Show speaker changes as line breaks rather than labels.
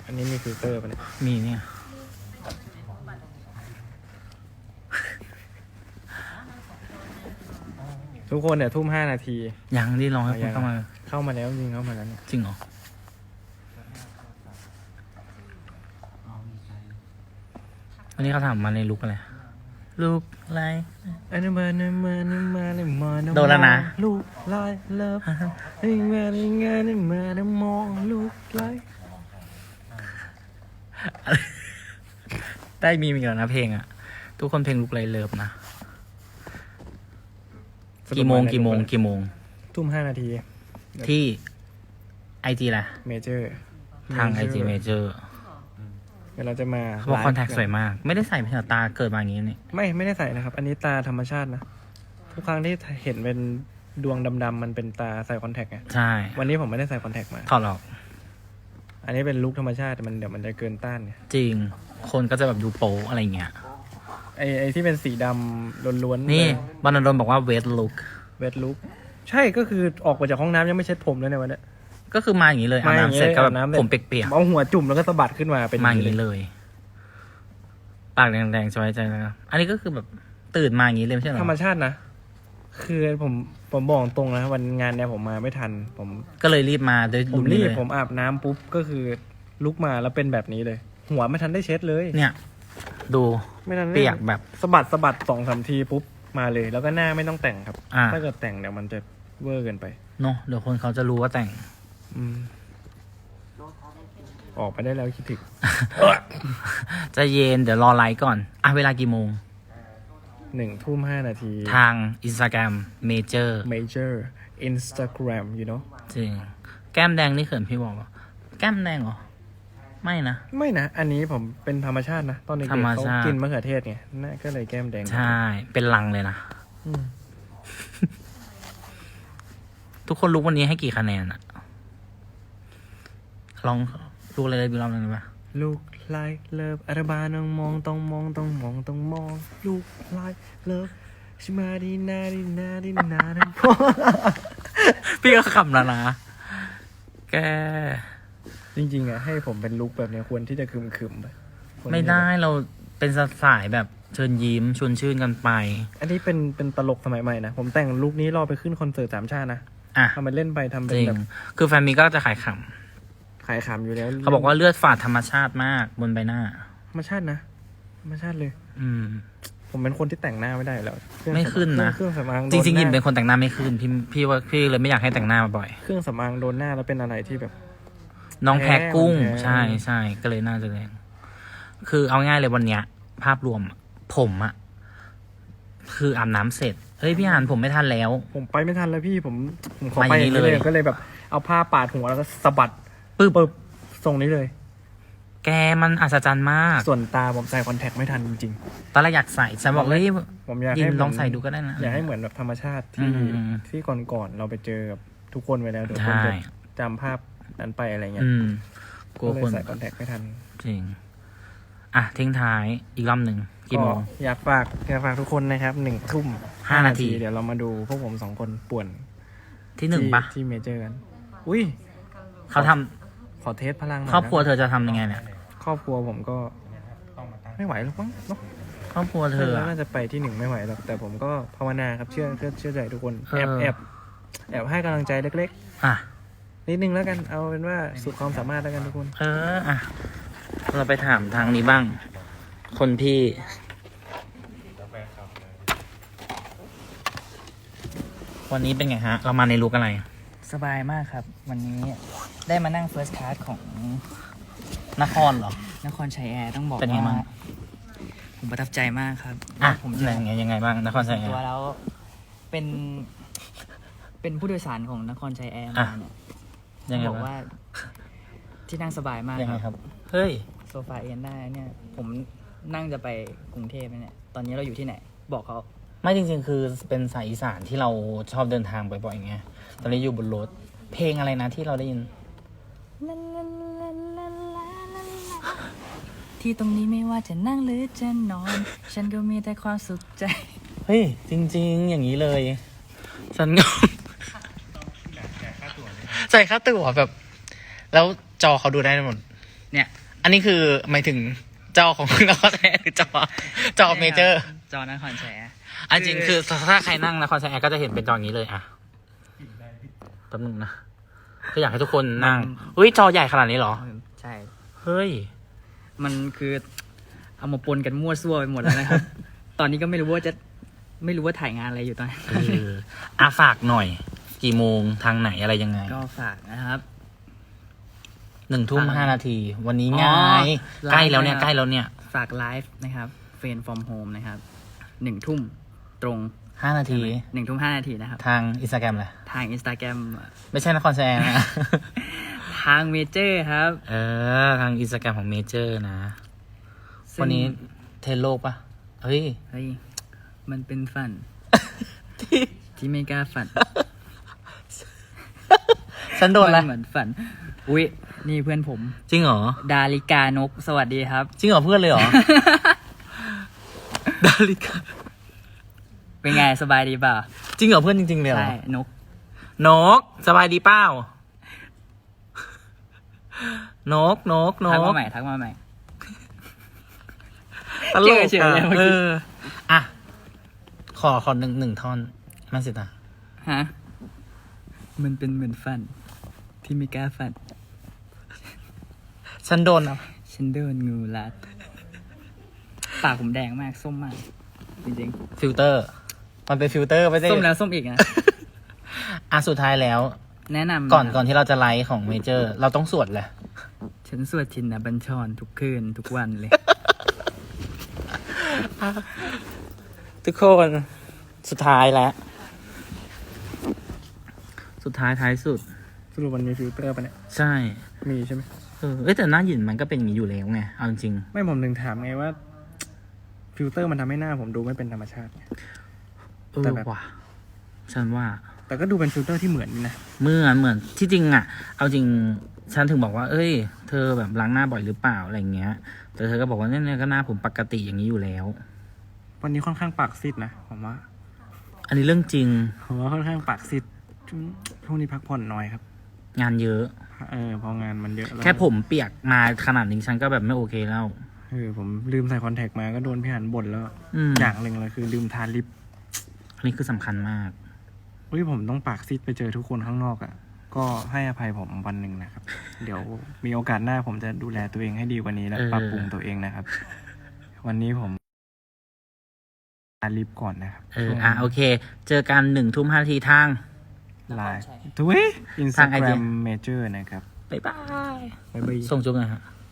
อันนี้มีฟิลเตอร์ป่ะเนี่ย
มีเนี่ย
ทุกคนเนี่ยทุ่ม5 นาที
ยังที่ลองให้คนเข้ามา
เข้ามาแล้วจริงเข้ามาแล้วเนี่ย
จริงเหรอวันนี้เขาถามมาในลุกอะไรลุกอะไร
อันนี้มาเนี่ยมาเนี่ยมาเนี่ยมาเนี่ย
โดนแล้วนะ
ลูกไล่เลิฟนี่มาเนี่ยงานนี่มาเนี่ยมองลูกไล่
ได้มีแล้วนะเพลงอ่ะ ทุกคนเพลงลุกไรเลิฟนะกี่โมง
ทุ่ม5 นาที
ที่ไอจีแหละ
เมเจอร์
ทางไอจีเมเจอร์
เดี๋ยวเราจะมา
เขาบอกคอนแทคสวยมาก ไม่ได้ใส่เพื่อตาเกิดมาอย่างนี้นี่
ไม่ได้ใส่นะครับ อันนี้ตาธรรมชาตินะทุกครั้งที่เห็นเป็นดวงดำๆมันเป็นตาใส่คอนแทคไง
ใช่
วันนี้ผมไม่ได้ใส่คอนแทคมา
ถอดออก
อันนี้เป็นลุคธรรมชาติมันเดี๋ยวมันจะเกินต้านเนี่ย
จริง คนก็จะแบบดูโป๊อะไรเงี้ย
ไอที่เป็นสีดำล้วนๆ
นี่บรรณดลบอกว่าเวทลุก
เวทลุคใช่ก็คือออกมาจากห้องน้ำยังไม่เช็ดผมเลยในวันเนี้ย
ก็คือมาอย่างนี้เลยอาบน้ำเสร็จก็แบบผมเปียก
เอาหัวจุ่มแล้วก็สะบัดขึ้นมาเป็น
ๆมาอย่างนี้เลย ปากแดงๆสบายใจนะอันนี้ก็คือแบบตื่นมาอย่างนี้เลยไม่ใช่เหรอ
ธรรมชาตินะคือผมบอกตรงนะวันงานเนี่ยผมมาไม่ทันผม
ก็เลยรีบมาโดย
ผม
ลุค
รี
นี้
บ
เลย
ผมอาบน้ำปุ๊บก็คือลุกมาแล้วเป็นแบบนี้เลย หัวไม่ทันได้เช็ดเลย
เนี่ย ดู
ไม่ทันได้
เปียกแบบ
สะบัด2-3 ทีปุ๊บมาเลย แล้วก็หน้าไม่ต้องแต่งครับ ถ้าเกิดแต่งเดี๋ยวมันจะเวอร์เกินไป
เนาะเดี๋ยวคนเขาจะรู้ว่าแต่ง
ออกไปได้แล้วคิดถึง
ใจะเย็นเดี๋ยวรอไลฟ์ก่อนอ่ะเวลากี่โมง
1:05 นาที
ทาง Instagram Major
Major Instagram you know
จริง แก้มแดงนี่เขินพี่บอกว่าแก้มแดงเหรอ ไม่นะ
ไม่นะ อันนี้ผมเป็นธรรมชาตินะ ตอนเด็ก
ธรร
ๆ
ม
เขา
ชาติ
กินมะเขือเทศไงน่าก็เลยแก้มแดง
ใช่ เป็นลังเลยนะ
อืม
ทุกคนรู้วันนี้ให้กี่คะแนนอะลองดูอะไรเลยบีลองหนึ่งได้ปะ
ลูกไล่เลิฟอาราบาต้องมองต้องมองต้องมองต้องมอง ลูกไล่เลิฟชิมาดีนาดีนาดีนาทั้งพอ
พี่ก็ขำแล้วนะ แก
จริงๆอะให้ผมเป็นลุคแบบเนี้ยควรที่จะคึมๆไปควรที่จะ
ไม่ได้เราเป็นสายแบบเชิญยิ้มชวนชื่นกันไป
อันนี้เป็นตลกสมัยใหม่นะ ผมแต่งลุคนี้รอไปขึ้นคอนเสิร์ต3 ชาตินะ
อ่ะ
ทำมันเล่นไปทำเป็
จ
น
ริง
แบบ
คือแฟนมีก็จะขายข
ขายขำอยู่แล้ว
ำเขาบอกว่าเลือดฝาดธรรมชาติมากบนใบหน้า
ธรรมชาตินะธรรมชาติเลย
อืม
ผมเป็นคนที่แต่งหน้าไม่ได้อยู่แล้วเครื่อง
ไม่ขึ้นนะ
เครื่องสำอางโด
จริงๆ
ห
ยิน
น้า
เป็นคนแต่งหน้าไม่ขึ้นพี่ว่าพี่เลยไม่อยากให้แต่งหน้าบ่อย
เครื่องสำอางโดนหน้าแล้วเป็นอะไรที่แบบ
น้องแพ้กุ้ง
แพ้
ใช่ก็เลยน่าจะแรงคือเอาง่ายเลยวันเนี้ย ภาพรวมอะผมอะคืออาบน้ำเสร็จเฮ้ยพี่อ่านผมไม่ทันแล้ว
ผมไปไม่ทันแล้วพี่ผมขอ
มา
ไป
อย่างนี้
นี้
เลย
ก็เลยแบบ เอาผ้าปาดหัวแล้วก็สะบัด
ปึ๊บ
ปึ๊บทรงนี้เลย
แกมันอัศจรรย์มาก
ส่วนตาผมใส่คอนแทคไม่ทันจริง
ตอนแรกอยากใส่ฉันบอกเฮ้ย
ๆผมอยาก
ยิน
ให้
ลองใส่ดูก็ได้นะ
อยากให้เหมือนแบบธรรมชาติที่
อืม
ที่ก่อนๆเราไปเจอกับทุกคนไว้แล้วเดี๋ยวคน
ใช่
จะจำภาพนั้นไปอะไรเงี้ย
กลัว
ก็เลย
คน
ใส่คอนแทคไม่ทัน
จริงอ่ะทิ้งท้ายอีกรอบหนึ่งกี่โมง
อยากฝากทุกคนนะครับ
5 นาที
เดี๋ยวเรามาดูพวกผม2 คนป่วน
ที่หนึ่งปะ
ที่เมเจอร์กัน อุ้ย
เขาทำ
ขอเทสพลังหน่อย
ครอบครัว
นะ
เธอจะทำยังไงเนี่ย
ครอบครัวผมก็ไม่ไหวหรอกมั้งเนอะ
ครอบครัวเธออะ
น่าจะไปที่1ไม่ไหวหรอกแต่ผมก็ภาวนาครับเชื่อใจทุกคน
เออ
แอบให้กำลังใจเล็ก
อ่ะ
ๆนิดนึงแล้วกันเอาเป็นว่าสุดความสามารถแล้วกันทุกคน
อ่ะเราไปถามทางนี้บ้าง คนพี่ วันนี้เป็นไงฮะ เรามาในลุกอะไร
สบายมากครับ วันนี้ได้มานั่ง First Class ของ
นครเหรอ
นครชัยแอร์ต้องบอก
เป็นไงบ้าง
ว่าผมประทับใจมากครับ
อ่ะ
ผม
ยังไงบ้างนครชัยแอ
ตัว
ร์
แล้วเป็นผู้โดยสารของนครชัยแอร์
อ่ะ
มาเนี่ย
ยังไง
บอก
บ้าง
ว่าที่นั่งสบายมาก
ยังไง
ค
ครับ รับ เฮ้ย
โซฟาเอนได้เนี่ย ผมนั่งจะไปกรุงเทพเนี่ยตอนนี้เราอยู่ที่ไหน บอกเขา
ไม่จริงๆ คือเป็นสายอีสานที่เราชอบเดินทางบ่อยๆไงตอนนี้อยู่บนรถ เพลงอะไรนะที่เราได้ยิน
ที่ตรงนี้ไม่ว่าจะนั่งหรือจะนอน ฉันก็มีแต่ความสุขใจ
เฮ้ย จริงๆ อย่างนี้เลย ฉันก็ จ่ายค่าตั๋วแบบ แล้วจอเขาดูได้หมด
เนี่ย
อันนี้คือหมายถึงจอของนครแท้หรือจอเมเจอร์
จอนครแชร์
อันจริงคือถ้าใครนั่งนครแท้ก็จะเห็นเป็นจออย่างนี้เลยอ่ะแป๊บนึงนะก็อยากให้ทุกคนนั่งอุ้ยจอใหญ่ขนาดนี้เหรอ
ใช่
เฮ้ย
มันคือเอามาปนกันมั่วซั่วไปหมดแล้วนะครับ ตอนนี้ก็ไม่รู้ว่าถ่ายงานอะไรอยู่ตอนนี้
ฝากหน่อย กี่โมงทางไหนอะไรยังไง
ก็ฝากนะครับ
1:05 วันนี้ไง
อ๋อ
ใกล้แล้วเนี่ย
ไลฟ์นะครับ
ใกล้แล้วเนี่ย
ฝากไลฟ์นะครับเฟนฟอร์มโฮมนะครับ1 ทุ่มตรง
5 นาที
1 ทุ่ม 5 นาทีนะครับ
ทางอินสตาแกรมแหละ
ทาง Instagram
ไม่ใช่นครแซงนะ
ทางเมเจอร์ครับ
ทางอินสตาแกรมของเมเจอร์นะ
ซึ่ง
วันนี้เทรนโลกปะเฮ้ย
เฮ้ยมันเป็นฝัน ที่ไม่กล้าฝัน
ฉันโดนอะไร
มัเหมือนฝัน อุ๊ย นี่เพื่อนผม
จริงเหรอ
ดาริกานก สวัสดีครับ
จริงเหรอเพื่อนเลยเหรอ ดาริกา
เป็นไงสบายดีเปล่า
จริงเหรอเพื่อนจริงๆเลยเหรอ
ใช่ นก
นกสบายดีเปล่า นก
ทักมาใหม่ทักมาใหม่
ตลก
เฉยๆเลยเมื่อกี้
อ่ะขอหนึ่งท่อนมาสิตา
ฮะ มันเป็นเหมือนฝัน ที่ไม่กล้าฝัน
ฉันโดนอ่ะ
ฉันโดนงูรัด ปากผมแดงมาก ส้มมาก จริง
ฟิลเตอร์ มันเป็นฟิลเตอร์ไม่ใช่
ๆ ส้มแล้วส้มอีกนะ
สุดท้ายแล้ว
แนะนำ
ก่อนที่เราจะไลฟ์ของเมเจอร์ เราต้องสวดแหละ
ฉันสวดชินบัญชรทุกคืนทุกวันเลย
ทุกคนสุดท้ายแล้ว สุดท้ายท้ายสุด
สรุปมันมีฟิลเตอร์ปะเนี่ย
ใช่
มีใช่ไหม
แต่หน้าหยินมันก็เป็นอย่างนี้อยู่แล้วไงเอาจริง
ไม่ผมถึงถามไงว่า ฟิลเตอร์มันทำให้หน้าผมดูไม่เป็นธรรมชาติไง แต่แบบ
ว่ะฉันว่า
แต่ก็ดูเป็นฟิลเตอร์ที่เหมือนนะ
เหมือนที่จริงอ่ะ เอาจริง ฉันถึงบอกว่า เอ้ย เธอแบบล้างหน้าบ่อยหรือเปล่าอะไรเงี้ย แต่เธอก็บอกว่าเนี่ยก็หน้าผมปกติอย่างนี้อยู่แล้ว
วันนี้ค่อนข้างปากซีดนะผมว่า
อันนี้เรื่องจริง
ผมว่าค่อนข้างปากซีดช่วงนี้พักผ่อนน้อยครับ
งานเยอะ
พองานมันเยอะล้ว
แค่ผมเปียกมาขนาดนี้ฉันก็แบบไม่โอเคแล้ว
ผมลืมใส่คอนแทคมาก็โดนพี่หันบ่นแล้ว อย่างหนึ่งเลยคือลืมทาลิป
อันนี้คือสำคัญมาก
ผมต้องปากซีดไปเจอทุกคนข้างนอกอ่ะ ก็ให้อภัยผมวันหนึ่งนะครับ เดี๋ยวมีโอกาสหน้าผมจะดูแลตัวเองให้ดีกว่านี้และปรับปรุงตัวเองนะครับ วันนี้ผมทาลิปก่อนนะครับ
โอเค เจอกัน1:05 ทาง
ไลน์ทวิตอินสตาแกรมเมเจอร์นะครับ
บ๊ายบาย
บ๊ายบาย
ส่งจุ๊บหน่อยฮะ